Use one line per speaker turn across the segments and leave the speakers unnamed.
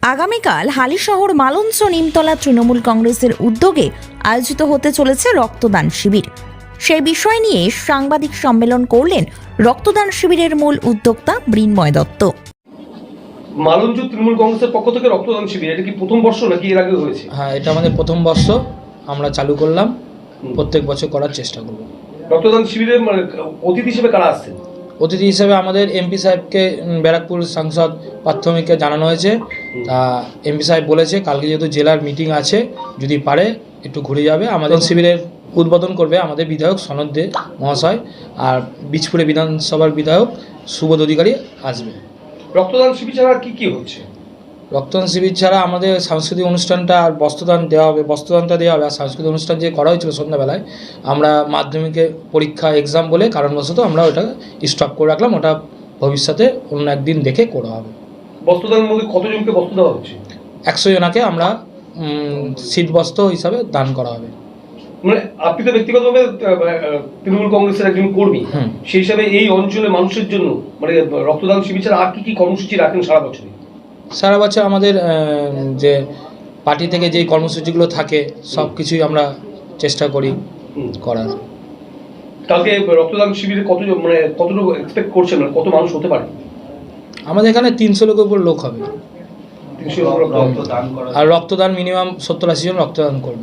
আগামীকাল হালিশহর মালঞ্চ নিমতলা তৃণমূল কংগ্রেসের উদ্যোগে আয়োজিত হতে চলেছে রক্তদান শিবির। সেই বিষয় নিয়ে সাংবাদিক সম্মেলন করলেন রক্তদান শিবিরের মূল উদ্যোক্তা মৃন্ময় দত্ত।
মালঞ্চ তৃণমূল কংগ্রেসের পক্ষ থেকে রক্তদান শিবির, এটা কি প্রথম বর্ষ নাকি এর আগে হয়েছে?
হ্যাঁ, এটা আমাদের প্রথম বর্ষ, আমরা চালু করলাম, প্রত্যেক বছর করার চেষ্টা করব।
রক্তদান শিবিরে অতিথি হিসেবে কারা আসছেন?
অতিথি হিসেবে আমাদের এমপি সাহেবকে, ব্যারাকপুর সাংসদ প্রাথমিককে জানানো হয়েছে। তা এমপি সাহেব বলেছে কালকে যেহেতু জেলার মিটিং আছে, যদি পারে একটু ঘুরে যাবে। আমাদের শিবিরের উদ্বোধন করবে আমাদের বিধায়ক সনদ দে মহাশয়, আর বীজপুরে বিধানসভার বিধায়ক সুবোধ অধিকারী আসবে।
রক্তদান শিবির ছাড়া কি কি হচ্ছে?
রক্তদান শিবির ছাড়া আমাদের সাংস্কৃতিক অনুষ্ঠানটা আর বস্ত্রদান দেওয়া হবে, বস্ত্রদানটা দেওয়া হবে। আর সাংস্কৃতিক অনুষ্ঠান যে করা হয়েছিল সন্ধ্যাবেলায়, আমরা মাধ্যমিকে পরীক্ষা এক্সাম বলে কারণবশত আমরা ওটা স্টপ করে রাখলাম। ওটা ভবিষ্যতে অন্য একদিন দেখে করা হবে।
বস্ত্রদানের মধ্যে কতজনকে বস্ত্র দেওয়া হচ্ছে?
100 জনাকে আমরা শীত বস্ত্র হিসাবে দান করা হবে।
মানে আপনি তো ব্যক্তিগতভাবে তৃণমূল কংগ্রেসের একজন কর্মী, সেই হিসাবে এই অঞ্চলের মানুষের জন্য মানে রক্তদান শিবির ছাড়া আর কি কি কর্মসূচি রাখেন সারা বছরে?
সারা বছর আমাদের যে পার্টি থেকে যেই কর্মসূচিগুলো থাকে সব কিছুই আমরা চেষ্টা করি করার।
কালকে রক্তদান শিবিরে কতজন মানে কতটুকু এক্সপেক্ট করছেন, মানে কত মানুষ হতে পারে?
আমাদের এখানে 300 লোকের উপর লোক হবে।
300 লোক রক্তদান করা,
আর রক্তদান মিনিমাম 70-80 জন রক্তদান করবে।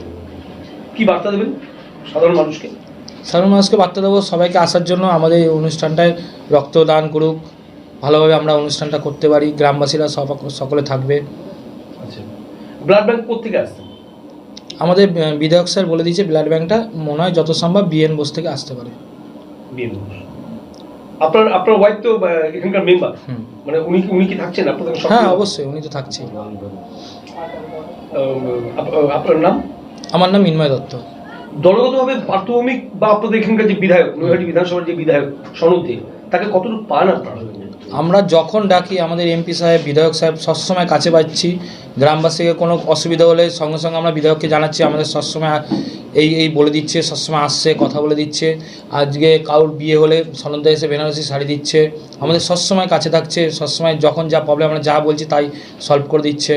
কি বার্তা দেবেন সাধারণ মানুষকে?
সাধারণ মানুষকে বার্তা দেবো সবাইকে আসার জন্য, আমাদের এই অনুষ্ঠানটায় রক্তদান করুক, ভালোভাবে আমরা অনুষ্ঠানটা করতে পারি, গ্রামবাসীরা সকলে থাকবে।
আচ্ছা, ব্লাড ব্যাংক কোথেকে আসছে?
আমাদের বিধায়ক স্যার বলে দিয়েছে ব্লাড ব্যাংকটা মনে হয় যত সম্ভব বিএন বোস থেকে আসতে পারে।
বিএন বোস, আপনার ওয়াইফ তো এখানকার মেম্বার, মানে উনি কি থাকছেন আপনাদের?
হ্যাঁ, অবশ্যই উনি তো থাকছেন।
আপনার নাম?
আমার নাম মৃন্ময় দত্ত।
দলগতভাবে প্রাথমিক বা আপনাদের এখানকার যে বিধায়ক, নৈহাটি বিধানসভার যে বিধায়ক সনদ দে, তাকে কতটুকু পান আপনারা?
আমরা যখন ডাকি আমাদের এমপি সাহেব, বিধায়ক সাহেব সবসময় কাছে পাচ্ছি। গ্রামবাসীকে কোনো অসুবিধা হলে সঙ্গে সঙ্গে আমরা বিধায়ককে জানাচ্ছি, আমাদের সবসময় এই বলে দিচ্ছে, সবসময় আসছে, কথা বলে দিচ্ছে। আজকে কারোর বিয়ে হলে সনদা এসে বেনারসি শাড়ি দিচ্ছে, আমাদের সবসময় কাছে থাকছে, সবসময় যখন যা প্রবলেম আমরা যা বলছি তাই সলভ করে দিচ্ছে।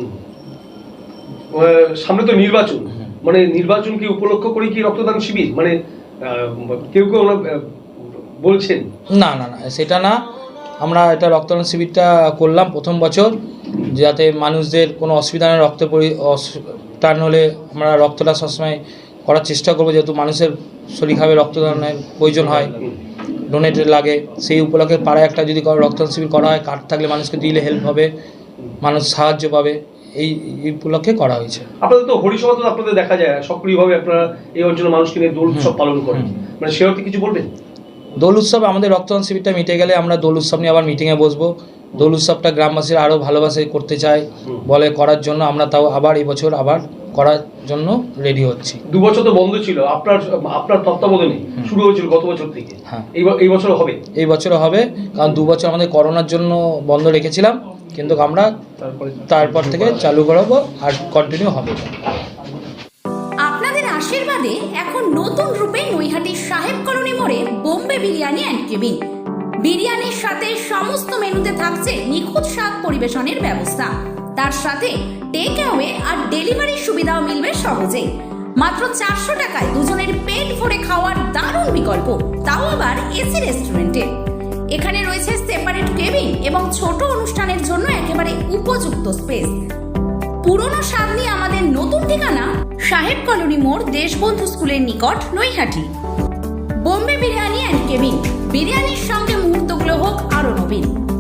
সামনে তো নির্বাচন, মানে নির্বাচনকে উপলক্ষ করে কি রক্তদান শিবির, মানে কেউ কেউ বলছেন?
না না না, সেটা না। আমরা এটা রক্তদান শিবিরটা করলাম প্রথম বছর, যাতে মানুষদের কোনো অসুবিধা নেই। টান হলে আমরা রক্তটা সবসময় করার চেষ্টা করবো, যেহেতু মানুষের শরীর খাবে, রক্তদানের প্রয়োজন হয়, ডোনেটেড লাগে। সেই উপলক্ষে পাড়ায় একটা যদি রক্তদান শিবির করা হয়, কার্ড থাকলে মানুষকে দিলে হেল্প হবে, মানুষ সাহায্য পাবে, এই উপলক্ষে করা হয়েছে।
আপনাদের তো হরিসভা তো আপনাদের দেখা যায় সক্রিয়ভাবে, আপনারা এই অঞ্চলের মানুষকে নিয়ে দোল উৎসব পালন করেন, মানে সে অর্থে কিছু বলবেন?
দোল উৎসব, আমাদের রক্তদান শিবিরটা মিটে গেলে আমরা দোল উৎসব নিয়ে আবার মিটিংয়ে বসবো। দোল উৎসবটা গ্রামবাসীরা আরও ভালোবাসে করতে চায় বলে করার জন্য, আমরা তাও আবার এই বছর আবার করার জন্য রেডি হচ্ছি।
2 বছর তো বন্ধ ছিল, আপনার তত্ত্বাবধানে শুরু হয়েছিল গত বছর থেকে।
হ্যাঁ,
এই বছর হবে?
এই বছরও হবে, কারণ 2 বছর আমাদের করোনার জন্য বন্ধ রেখেছিলাম, কিন্তু আমরা তারপর থেকে চালু করাবো আর কন্টিনিউ হবে।
আপনাদের আশীর্বাদে এখন নতুন রূপে নৈহাটির সাহেব কলোনি মোড়ে বোম্বে বিরিয়ানি অ্যান্ড কেবিন। বিরিয়ানির সাথে সমস্ত মেনুতে থাকছে নিখুঁত স্বাদ পরিবেশনের ব্যবস্থা, তার সাথে টেক অ্যাওয়ে আর ডেলিভারির সুবিধাও মিলবে সহজেই। মাত্র 400 টাকায় দুজনের পেট ভরে খাওয়ার দারুণ বিকল্প, তাও আবার এসি রেস্টুরেন্টে। এখানে রয়েছে সেপারেট কেবিন এবং ছোট অনুষ্ঠানের জন্য একেবারে উপযুক্ত স্পেস। পুরনো স্বাদ নিয়ে আমাদের নতুন ঠিকানা সাহেব কলোনি মোড়, দেশবন্ধু স্কুলের নিকট, নৈহাটি। বোম্বে বিরিয়ানি অ্যান্ড কেবিন, বিরিয়ানির সঙ্গে মুহূর্তগুলো হোক আরো নবীন।